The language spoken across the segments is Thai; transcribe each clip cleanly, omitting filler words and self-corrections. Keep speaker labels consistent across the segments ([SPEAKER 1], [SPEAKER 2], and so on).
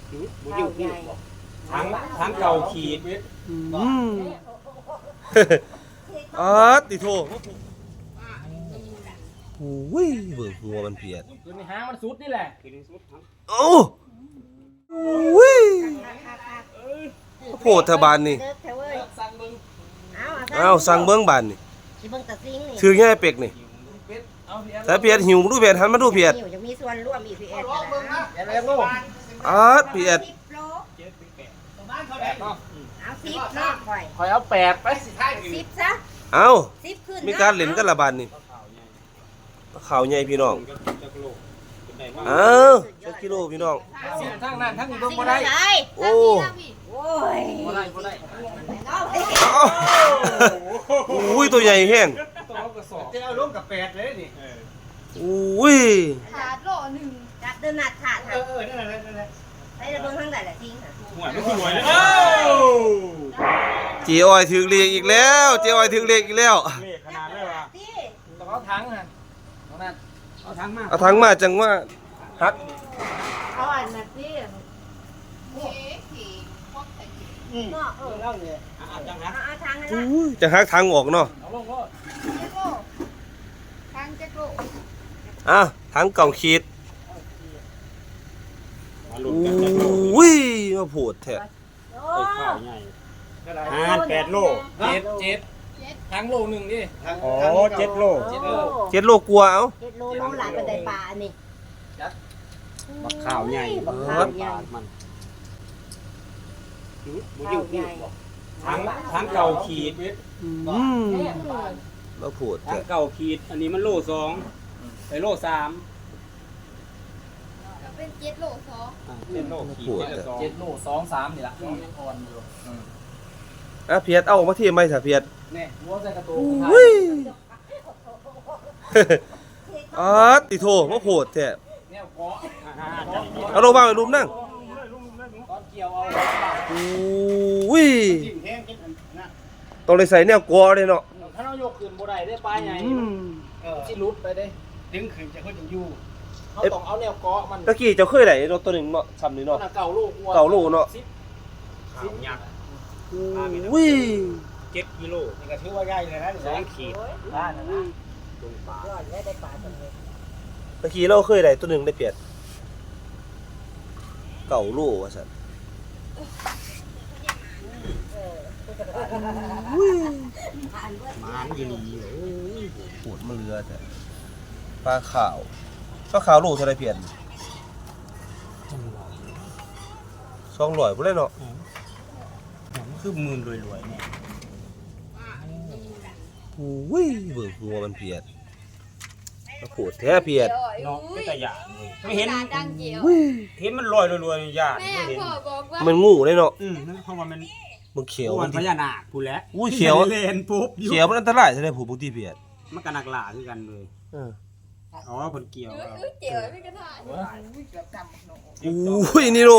[SPEAKER 1] บุญอยู่ที่ทั้งเก่าขีด
[SPEAKER 2] ติโถโอ้ยเบิ่งหัวมันเปียก
[SPEAKER 1] คือในหางมันสุดนี่แหละ
[SPEAKER 2] โอ้ยโพดทบานนี่เอาสั่งเบิ่งบานนี่ชื่อแง่เป็กนี่แต่เปียดหิวดูเปียดหันมาดูเปียด
[SPEAKER 3] จะมีส่วนร่วมอีกพี่เอ็ด
[SPEAKER 2] เปียด
[SPEAKER 3] เอา10เนาะ
[SPEAKER 1] คอยเอา8ไป
[SPEAKER 3] 10ซะ
[SPEAKER 2] เอา
[SPEAKER 3] 10ขึ้น
[SPEAKER 2] มีการเล่นกันละบานนี่ข่าวใหญ่พี่น้องสักกิโลพี่น้อง
[SPEAKER 1] ทั้งนั้นทั้งนี้เบิ่งบ่ได้
[SPEAKER 2] โอ้
[SPEAKER 3] ย
[SPEAKER 1] บ่ได้
[SPEAKER 2] อุ้ยตัวใหญ่แห้ง
[SPEAKER 1] จะเอาลงกับ8เลยนี่
[SPEAKER 2] อุ้ย
[SPEAKER 3] ขาดโลนึงจับเดินหนัดขาด
[SPEAKER 1] นั่นแหละ
[SPEAKER 3] ไปเบิ่งทางใดล่ะทิ้งค่ะ
[SPEAKER 1] หวยไม่คือหวยเลย
[SPEAKER 2] เจียวอ้อยถึงเรียกอีกแล้วเจียวอ้อยถึงเรียกอีกแล้ว
[SPEAKER 1] เลขขนาดเลยว่ะต้องเอาถังน่ะเอาถังมา
[SPEAKER 2] เอาถังมาจังว่าฮัก
[SPEAKER 3] เอาอันนั้นสิเนาะ
[SPEAKER 1] เล่าเลยจังฮัก
[SPEAKER 3] เอาทางนั้น
[SPEAKER 2] จะฮักทางออกเนาะ
[SPEAKER 1] เอาลงก็
[SPEAKER 3] ทางจะโก
[SPEAKER 2] ทางเก่าขีดอุ้ยมาโผดแท้
[SPEAKER 1] ข้าวใหญ่8 โล7ทั้งโลนึงดิอ๋อ7 โล
[SPEAKER 2] 7 โลกลัวเอา
[SPEAKER 3] 7 โลน้ำหลายเป็นไดปลาอันนี้
[SPEAKER 1] บักข้าวใหญ่มันบุญอยู่ที่ทั้งเก่าขีด
[SPEAKER 2] มาโผด
[SPEAKER 1] ทั้งเก่าขีดอันนี้มันโล2ไปโล3
[SPEAKER 3] เป็น7 โล
[SPEAKER 1] 2 7 โลขีด7 โล 2 3นี่ล่ะยังอ่อนอยู่
[SPEAKER 2] เพียดเอามาที่ไม่ซะเพียด
[SPEAKER 1] นี่หัวใส่กระโต
[SPEAKER 2] กติโถมาโผดแท้
[SPEAKER 1] แนวเกาะ
[SPEAKER 2] เอาลงมาไปรุมนั่ง
[SPEAKER 1] ตอนเกี่ยวเอา
[SPEAKER 2] ต้องเลยใส่แนวกอเลยเนาะ
[SPEAKER 1] ถ้าเรายกขึ้นบ่ได้ได้ปลาใหญ่สิหลุดไปเด้ดึงขึ้นจะค่อยอยู่เขาต้องเอาแนวเกาะมัน
[SPEAKER 2] ตะกี้เจ้าเคยได้รถตัวนึงเนาะซ้ำนี่เนาะ
[SPEAKER 1] เก่าลูก
[SPEAKER 2] เนาะ
[SPEAKER 1] 10ยักษ์7 กิโลนี่ก็ถือว่าใหญ่เลยนะ2 ขีดบ้านนะตรงปลา
[SPEAKER 3] ได้ปลาตัวนี้
[SPEAKER 2] ตะกี้เราเคยได้ตัวนึงได้เปียดเก่าโลว่าซั่น
[SPEAKER 1] มันอยู่นี่
[SPEAKER 2] โหดมาเรือแต่ปลาขาวโลเท่าไรเพียน200บ่ได้เนาะ
[SPEAKER 1] คือหมื่นรวยๆเนี่ย
[SPEAKER 2] อุ้ยเบิ่งหัวมันเปียดโหดแท้เปียด
[SPEAKER 1] เนาะเป็นตะหยาไม่เห็นมันลอยรวยๆหยาไม่เห็น
[SPEAKER 2] มันงูเลยเนาะ
[SPEAKER 1] นั่นเพราะว่ามัน
[SPEAKER 2] เขียว
[SPEAKER 1] มันพญานาคพูดแล้ว
[SPEAKER 2] เขียว
[SPEAKER 1] เลนปุ๊บ
[SPEAKER 2] เขียวมันอันตรายใช่ไหมผู้บางทีเปียด
[SPEAKER 1] มันก็นักล่าคือกันเลยอ๋อผลเกี่ยว
[SPEAKER 3] เจียวไม่กระถ่าย
[SPEAKER 2] อุ้ยนี่โน่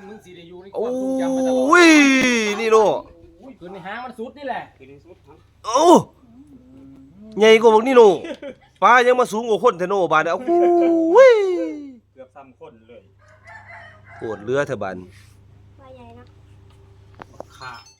[SPEAKER 2] อุ้ยนี่โน่
[SPEAKER 1] คือในหางมันสุดนี่แหละ
[SPEAKER 2] โอ้ใหญ่กว่าพวกนี่โน่ปลายังมาสูงกว่าคนเทโน่บานเนี่ยอุ้ย
[SPEAKER 1] เกือบซ้ำคนเลย
[SPEAKER 2] โกรธเรือเถอะบัน
[SPEAKER 3] ปลาใหญ่นะ
[SPEAKER 1] ค่ะ